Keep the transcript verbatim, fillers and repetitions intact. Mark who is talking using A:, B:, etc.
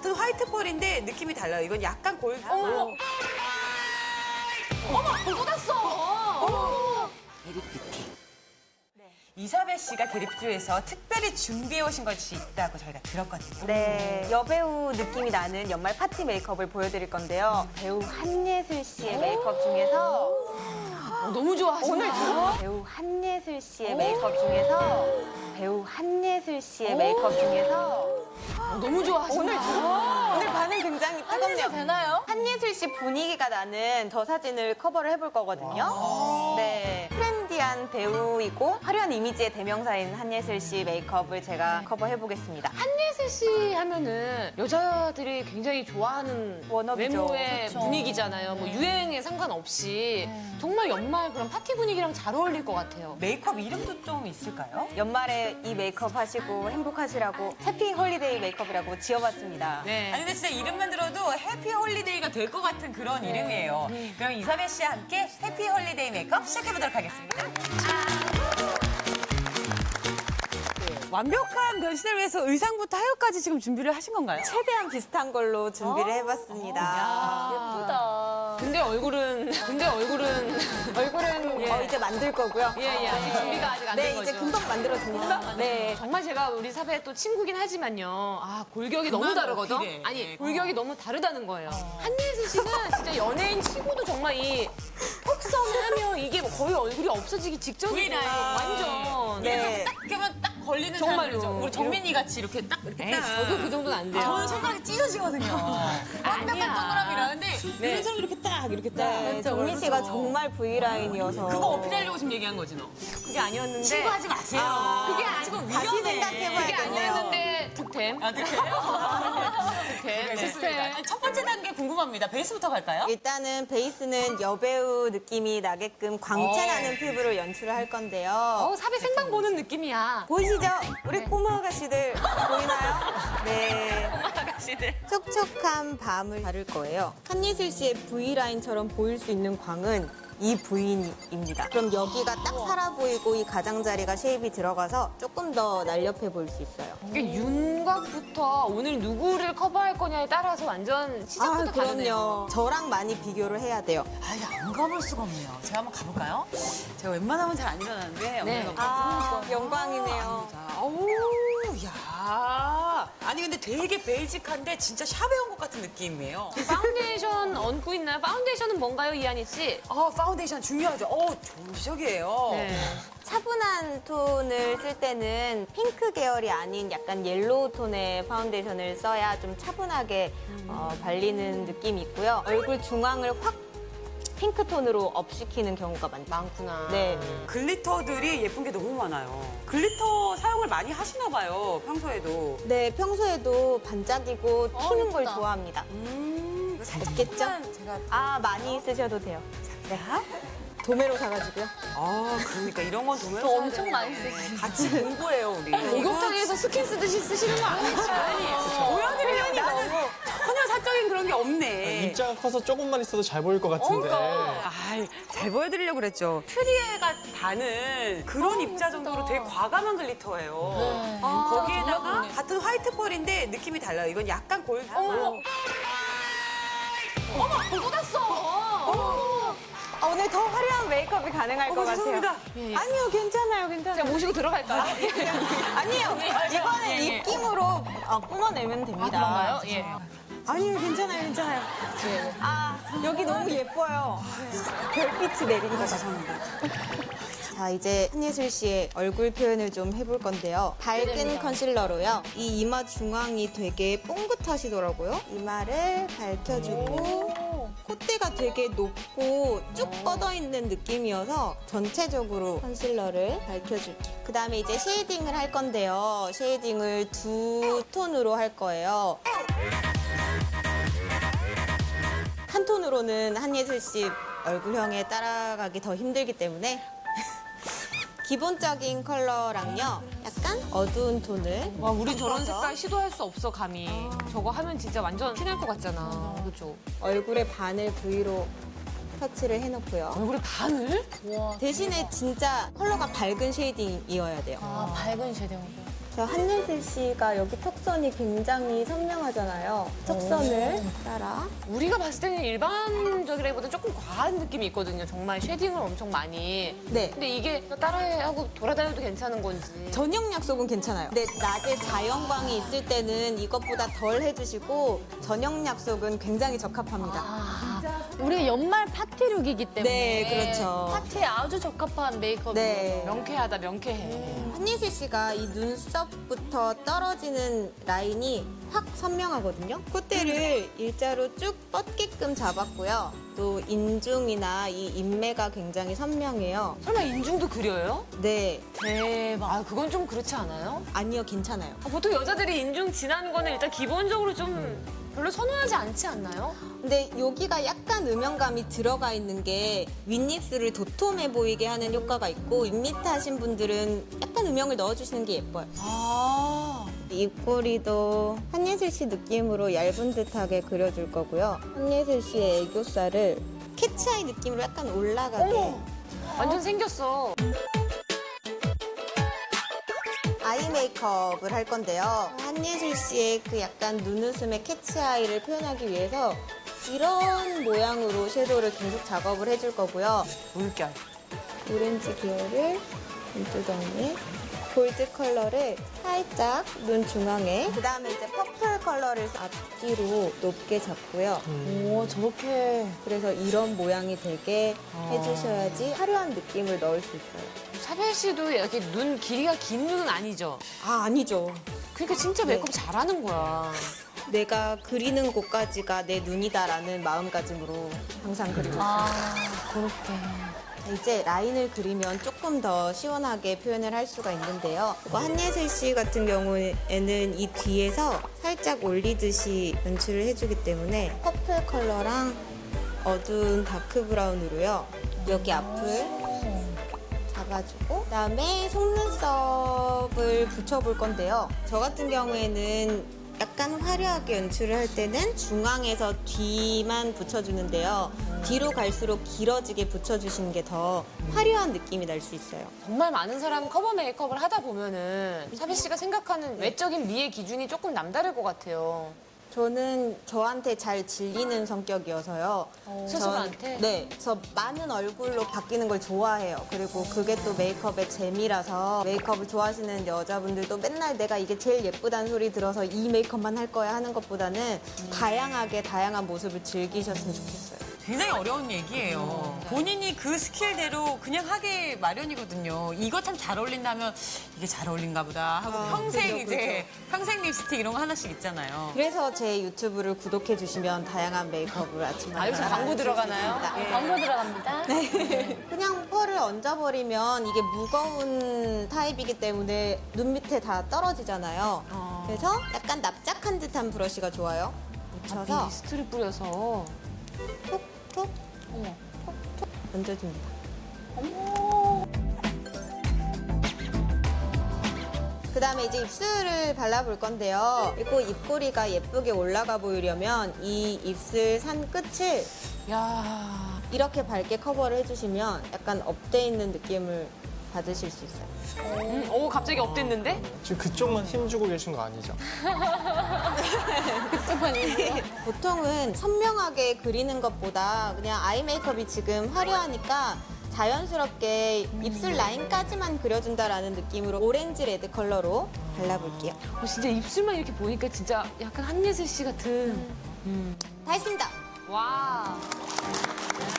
A: 같은 화이트 펄인데 느낌이 달라요. 이건 약간 골드.
B: 어머, 어머, 쏟았어. 어머.
A: 게리뷰티. 이사벨 씨가 게리뷰티에서 특별히 준비해 오신 것이 있다고 저희가 들었거든요.
C: 네, 여배우 느낌이 나는 연말 파티 메이크업을 보여드릴 건데요. 배우 한예슬 씨의 메이크업 중에서
B: 어, 너무 좋아하시나?
C: 오늘 주- 배우 한예슬 씨의 메이크업 중에서 배우 한예슬 씨의 메이크업 중에서
B: 어, 너무 좋아하시나?
C: 오늘 주- 오늘 반응 굉장히 뜨겁네요.
B: 되나요?
C: 한예슬 씨 분위기가 나는 저 사진을 커버를 해볼 거거든요. 네, 트렌디한 배우이고 화려한 이미지의 대명사인 한예슬 씨 메이크업을 제가 커버해 보겠습니다.
B: 한예슬 씨 하면은 여자들이 굉장히 좋아하는
C: 워너비죠.
B: 외모의 분위기잖아요. 뭐 유행에 상관없이 정말 연말 그런 파티 분위기랑 잘 어울릴 것 같아요.
A: 메이크업 이름도 좀 있을까요?
C: 연말에 이 메이크업 하시고 행복하시라고 해피 홀리데이 메이크업이라고 지어봤습니다.
B: 네.
A: 아니 근데 진짜 이름만 들어도 해피 홀리데이가 될 것 같은 그런 이름이에요. 그럼 이사벨 씨와 함께 해피 홀리데이 메이크업 시작해보도록 하겠습니다. 완벽한 변신을 위해서 의상부터 헤어까지 지금 준비를 하신 건가요?
C: 최대한 비슷한 걸로 준비를 해봤습니다.
B: 예쁘다. 근데 얼굴은, 근데 얼굴은.
C: 얼굴은
B: 예.
C: 어, 이제 만들 거고요.
B: 예, 예. 아직 준비가 아직 안 된
C: 네,
B: 거죠.
C: 이제 금방 만들어집니다. 네.
B: 정말 제가 우리 사배 또 친구긴 하지만요. 아, 골격이 너무
A: 그만
B: 다르거든?
A: 어필해.
B: 아니, 골격이 너무 다르다는 거예요. 한예슬 씨는 진짜 연예인 치고도 정말 이 턱선하면 이게 뭐 거의 얼굴이 없어지기 직전이에요.
A: V라인.
B: 완전.
C: 네.
A: 딱 이렇게 딱 걸리는
B: 정말로.
A: 사람이죠. 우리 정민이 같이 이렇게 딱 이렇게
B: 에이,
A: 딱.
B: 저도 그 정도는 안 돼요.
A: 저는 손가락이 찢어지거든요. 완벽한
B: 아니야.
A: 동그라미라. 근데
B: 네.
A: 이런 사람 이렇게 딱 이렇게 딱.
C: 네, 정민 씨가 정말 V라인이어서.
A: 그거 어필하려고 지금 얘기한 거지 너.
B: 그게 아니었는데.
A: 친구하지 마세요.
C: 아,
A: 그게 아니 지금
C: 다시
A: 위험해.
C: 생각해봐야
B: 그게
C: 되겠네요.
B: 아니었는데 득템.
A: 아, 득해요?
B: 득템.
A: 좋습니다. 아니, 첫 번째 단계 궁금합니다. 베이스부터 갈까요?
C: 일단은 베이스는 여배우 느낌이 나게끔 광채나는 피부를 연출을 할 건데요.
B: 어, 사배 생방 보는 느낌이야.
C: 보이시죠? 우리 꼬마 아가씨들 보이나요? 네.
B: 아가씨들.
C: 촉촉한 밤을 바를 거예요. 한예슬 씨의 V라인처럼 보일 수 있는 광은 이 부위입니다. 그럼 여기가 딱 살아 보이고 이 가장자리가 쉐입이 들어가서 조금 더 날렵해 보일 수 있어요.
B: 이게 윤곽부터 오늘 누구를 커버할 거냐에 따라서 완전 시작부터
C: 아,
B: 다르네요.
C: 그럼요. 저랑 많이 비교를 해야 돼요.
A: 아, 이게 안 가볼 수가 없네요. 제가 한번 가볼까요? 제가 웬만하면 잘 안 일어나는데.
B: 네.
A: 오늘
C: 아, 영광이네요.
A: 아우, 야. 아니, 근데 되게 베이직한데 진짜 샵에 온 것 같은 느낌이에요.
B: 파운데이션 얹고 있나요? 파운데이션은 뭔가요, 이한희 씨?
A: 아, 파운데이션 중요하죠. 어, 좋은 시작이에요.
B: 네.
C: 차분한 톤을 쓸 때는 핑크 계열이 아닌 약간 옐로우 톤의 파운데이션을 써야 좀 차분하게 어, 발리는 느낌이 있고요. 얼굴 중앙을 확 핑크 톤으로 업시키는 경우가 많죠.
B: 많구나.
C: 네.
A: 글리터들이 예쁜 게 너무 많아요. 글리터 사용을 많이 하시나 봐요, 평소에도.
C: 네, 평소에도 반짝이고 튀는 걸
B: 예쁘다.
C: 좋아합니다.
A: 음, 이거 살짝
C: 있겠죠?
A: 조금만 제가.
C: 아, 많이 쓰셔도 돼요. 네. 도매로 사가지고요.
A: 아, 그러니까 이런 건 도면
B: 저 엄청 많이 쓰시죠.
A: 같이 공부해요, 우리.
B: 목욕탕에서 스킨 쓰듯이 쓰시는 거 아니죠?
A: 보여드리려고 나는 전혀 사적인 그런 게 없네.
D: 입자가 커서 조금만 있어도 잘 보일 것 같은데.
A: 아이, 잘 보여드리려고 그랬죠. 트리에가 다는 그런 입자 정도로 되게 과감한 글리터예요. 거기에다가 같은 화이트 펄인데 느낌이 달라요. 이건 약간 골드.
B: 어머, 어머, 쏟았어.
C: 아, 오늘 더 화려한 메이크업이 가능할 것 같아요.
A: 죄송합니다.
B: 예, 예.
C: 아니요, 괜찮아요, 괜찮아요.
B: 제가 모시고 들어갈까요?
C: 아니요, 이거는
B: 예, 예.
C: 입김으로 어, 뿜어내면 됩니다.
B: 그런가요? 예.
C: 아니요, 괜찮아요, 괜찮아요. 아, 여기 너무 예뻐요. 별빛이 내리는 것 같습니다. 자, 이제 한예슬 씨의 얼굴 표현을 좀 해볼 건데요. 밝은 컨실러로요. 이 이마 중앙이 되게 뽕긋하시더라고요. 이마를 밝혀주고 콧대가 되게 높고 쭉 뻗어있는 느낌이어서 전체적으로 컨실러를 밝혀줄게요. 그 다음에 이제 쉐이딩을 할 건데요. 쉐이딩을 두 톤으로 할 거예요. 한 톤으로는 한예슬 씨 얼굴형에 따라가기 더 힘들기 때문에 기본적인 컬러랑요. 약간 어두운 톤을
B: 와, 우린 저런
C: 섞어서
B: 색깔 시도할 수 없어, 감히. 저거 하면 진짜 완전 티날 것 같잖아. 그죠?
C: 얼굴의 반을 V로 터치를 해놓고요.
B: 얼굴에 반을?
C: 대신에 진짜 컬러가 밝은 쉐이딩이어야 돼요.
E: 아, 밝은 쉐딩.
C: 자, 한예슬 씨가 여기 턱선이 굉장히 선명하잖아요. 턱선을 따라.
B: 우리가 봤을 때는 일반적이라기보다는 조금 과한 느낌이 있거든요. 정말 쉐딩을 엄청 많이.
C: 네.
B: 근데 이게 따라하고 돌아다녀도 괜찮은 건지.
C: 저녁 약속은 괜찮아요. 근데 낮에 자연광이 있을 때는 이것보다 덜 해주시고 저녁 약속은 굉장히 적합합니다.
B: 아,
E: 우리 연말 파티룩이기 때문에
C: 네, 그렇죠.
E: 파티에 아주 적합한 메이크업이에요.
C: 네.
B: 명쾌하다, 명쾌해.
C: 한예슬 씨가 이 눈썹부터 떨어지는 라인이 확 선명하거든요. 콧대를 일자로 쭉 뻗게끔 잡았고요. 또 인중이나 이 인매가 굉장히 선명해요.
B: 설마 인중도 그려요?
C: 네,
B: 대박. 아, 그건 좀 그렇지 않아요?
C: 아니요, 괜찮아요.
B: 아, 보통 여자들이 인중 진한 거는 일단 기본적으로 좀 별로 선호하지 않지 않나요?
C: 근데 여기가 약간 음영감이 들어가 있는 게 윗입술을 도톰해 보이게 하는 효과가 있고 윗밑 하신 분들은 약간 음영을 넣어주시는 게 예뻐요.
B: 아.
C: 입꼬리도 한예슬 씨 느낌으로 얇은 듯하게 그려줄 거고요. 한예슬 씨의 애교살을 캐치아이 느낌으로 약간 올라가게.
B: 어머. 완전 생겼어.
C: 아이 메이크업을 할 건데요. 한예슬 씨의 그 약간 눈웃음의 캐치아이를 표현하기 위해서 이런 모양으로 섀도우를 계속 작업을 해줄 거고요.
B: 물결.
C: 오렌지 계열을 눈두덩이에 골드 컬러를 살짝 눈 중앙에 그 다음에 이제 퍼플 컬러를 앞뒤로 높게 잡고요.
B: 오, 저렇게.
C: 그래서 이런 모양이 되게 해주셔야지 화려한 느낌을 넣을 수 있어요.
B: 사별 씨도 이렇게 눈 길이가 긴 눈은 아니죠?
C: 아, 아니죠.
B: 그러니까 진짜 메이크업 잘하는 거야.
C: 내가 그리는 곳까지가 내 눈이다라는 마음가짐으로 항상 그리고 있어요.
E: 아, 그렇게.
C: 이제 라인을 그리면 조금 더 시원하게 표현을 할 수가 있는데요. 이거 한예슬 씨 같은 경우에는 이 뒤에서 살짝 올리듯이 연출을 해주기 때문에 퍼플 컬러랑 어두운 다크 브라운으로요. 여기 앞을 잡아주고 그다음에 속눈썹을 붙여볼 건데요. 저 같은 경우에는 약간 화려하게 연출을 할 때는 중앙에서 뒤만 붙여주는데요. 뒤로 갈수록 길어지게 붙여주시는 게 더 화려한 느낌이 날 수 있어요.
B: 정말 많은 사람 커버 메이크업을 하다 보면은 사별 씨가 생각하는 외적인 미의 기준이 조금 남다를 것 같아요.
C: 저는 저한테 잘 질리는 성격이어서요.
B: 스스로한테?
C: 전- 네. 저 많은 얼굴로 바뀌는 걸 좋아해요. 그리고 그게 또 메이크업의 재미라서 메이크업을 좋아하시는 여자분들도 맨날 내가 이게 제일 예쁘다는 소리 들어서 이 메이크업만 할 거야 하는 것보다는 다양하게 다양한 모습을 즐기셨으면 좋겠어요.
A: 굉장히 어려운 얘기예요. 본인이 그 스킬대로 그냥 하기 마련이거든요. 이거 참 잘 어울린다면 이게 잘 어울린가 보다 하고
C: 아,
A: 평생
C: 그죠,
A: 이제 평생 립스틱 이런 거 하나씩 있잖아요.
C: 그래서 제 유튜브를 구독해 주시면 다양한 메이크업을 아침마다
B: 아, 여기서 광고
C: 하실 수
B: 들어가나요?
C: 있습니다.
B: 예.
E: 광고 들어갑니다.
C: 그냥 펄을 얹어버리면 이게 무거운 타입이기 때문에 눈 밑에 다 떨어지잖아요. 그래서 약간 납작한 듯한 브러쉬가 좋아요. 묻혀서
B: 미스트를 뿌려서.
C: 톡톡
B: 어머.
C: 톡톡 얹어줍니다. 그 다음에 이제 입술을 발라볼 건데요. 그리고 입꼬리가 예쁘게 올라가 보이려면 이 입술 산 끝을
B: 야.
C: 이렇게 밝게 커버를 해주시면 약간 업돼 있는 느낌을 받으실 수 있어요.
B: 음, 오, 갑자기 업됐는데?
D: 지금 그쪽만 힘주고 계신 거 아니죠?
C: 보통은 선명하게 그리는 것보다 그냥 아이 메이크업이 지금 화려하니까 자연스럽게 입술 라인까지만 그려준다라는 느낌으로 오렌지 레드 컬러로 발라볼게요.
B: 어, 진짜 입술만 이렇게 보니까 진짜 약간 한예슬 씨 같은.
C: 다 했습니다.
B: 와.